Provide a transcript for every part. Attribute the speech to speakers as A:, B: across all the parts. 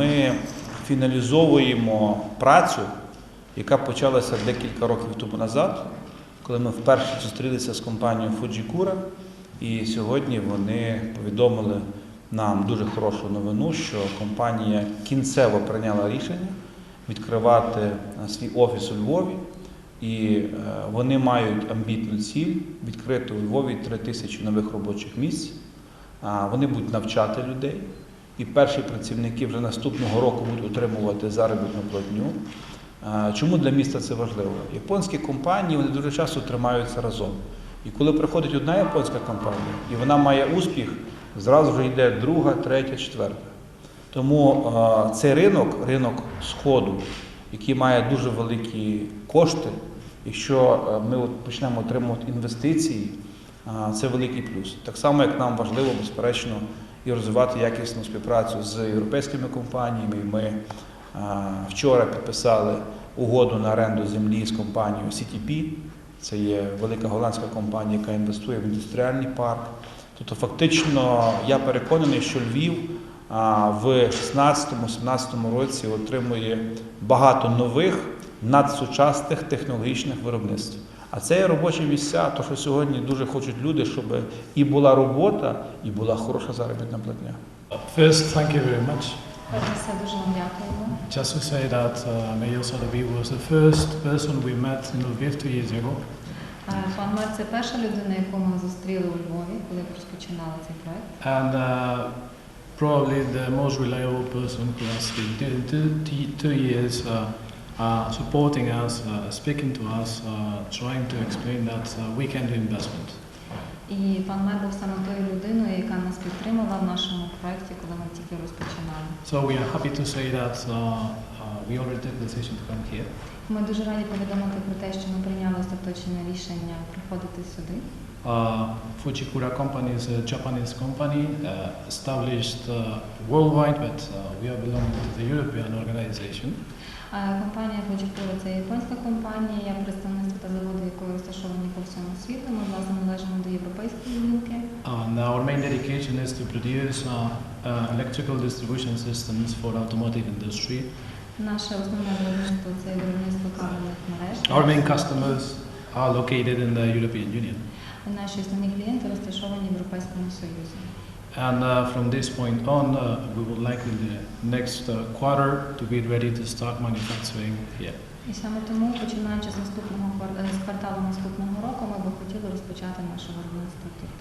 A: ми фіналізовуємо працю, яка почалася декілька років тому назад, коли ми вперше зустрілися з компанією Fujikura, і сьогодні вони повідомили нам дуже хорошу новину, що компанія кінцево прийняла рішення відкривати свій офіс у Львові, і вони мають амбітну ціль відкрити у Львові 3000 нових робочих місць. Вони будуть навчати людей, і перші працівники вже наступного року будуть отримувати заробітну платню. Чому для міста це важливо? Японські компанії, вони дуже часто тримаються разом. І коли приходить одна японська компанія, і вона має успіх, зразу вже йде друга, третя, четверта. Тому цей ринок Сходу, який має дуже великі кошти, якщо ми почнемо отримувати інвестиції, це великий плюс. Так само, як нам важливо, безперечно, і розвивати якісну співпрацю з європейськими компаніями. Ми вчора підписали угоду на оренду землі з компанією CTP. Це є велика голландська компанія, яка інвестує в індустріальний парк. Тобто фактично я переконаний, що Львів в 2016-2017 році отримує багато нових надсучасних технологічних виробництв. А це є робочі місця, то що сьогодні дуже хочуть люди, щоб і була робота, і була хороша заробітна платня.
B: First, thank you very much.
C: Дуже вам дякуємо.
B: Just to say that Mayor Sotheby was the first person we met in Lviv 2 years ago.
C: Пан мер – це перша людина, яку ми зустріли у Львові, коли розпочинали цей проект.
B: And probably the most reliable person who has been doing 2 years supporting us, speaking to us, trying to explain that we can do investment.
C: І пан мер був саме тою людиною, яка нас підтримала в нашому проєкті, коли ми тільки розпочинали.
B: So we are happy to say that we already took the decision to come here.
C: Ми дуже раді повідомити про те, що ми прийняли остаточне рішення приходити сюди.
B: Fujikura company is a Japanese company established worldwide, but we are belonging to the European organization.
C: Компанія Fujikura – це японська компанія, представництво та заводи, якої розташовані по всьому світу. Ми, власне, належимо до європейської гілки.
B: And our main dedication is to produce electrical distribution systems for automotive industry.
C: Наше основне виробництво – це виробництво кабельних мереж.
B: Our main customers are located in the European Union.
C: Наші основні клієнти розташовані в Європейському Союзі.
B: And from this point on, we would like in the next quarter to be ready to start manufacturing here.
C: І саме тому, починаючи з кварталу наступного року, ми б хотіли розпочати наше виробництво тут.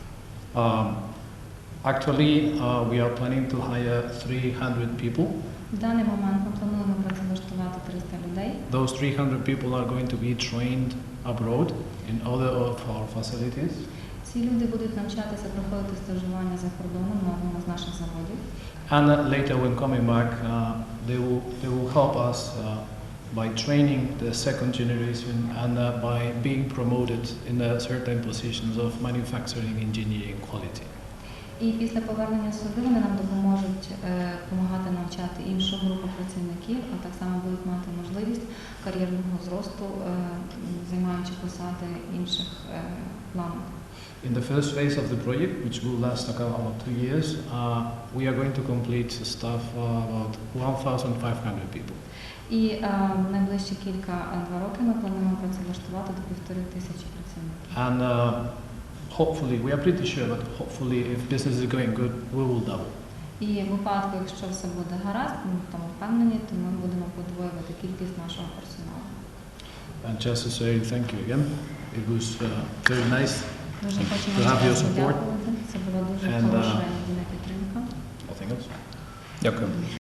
B: Actually, we are planning to hire 300 people.
C: В даний момент ми плануємо працевлаштувати 300 людей.
B: Those 300 people are going to be trained abroad in other of our facilities.
C: Ці люди будуть навчатися проходити стажування за кордоном на одному з наших заводів.
B: And later when coming back, they will help us by training the second generation and by being promoted in certain positions of manufacturing, engineering, quality.
C: І після повернення сюди вони нам допоможуть допомагати навчати іншу групу працівників, а так само будуть мати можливість кар'єрного зросту, займаючи посади інших планів.
B: In the first phase of the project, which will last about 2 years, we are going to complete staff about 1,500 people.
C: І в найближчі два роки ми плануємо працевлаштувати до 1500 працівників.
B: And hopefully, we are pretty sure, but hopefully if business is going good, we will double.
C: І в випадку, якщо все буде гаразд, ми в тому впевнені, то ми будемо подвоювати кількість нашого персоналу.
B: And just to say thank you again, it was very nice.
C: Дуже хочемо
B: To have your
C: вам
B: support.
C: подякувати. Це була дуже
B: And,
C: хороша і надійна підтримка.
B: Nothing else.
A: Дякую.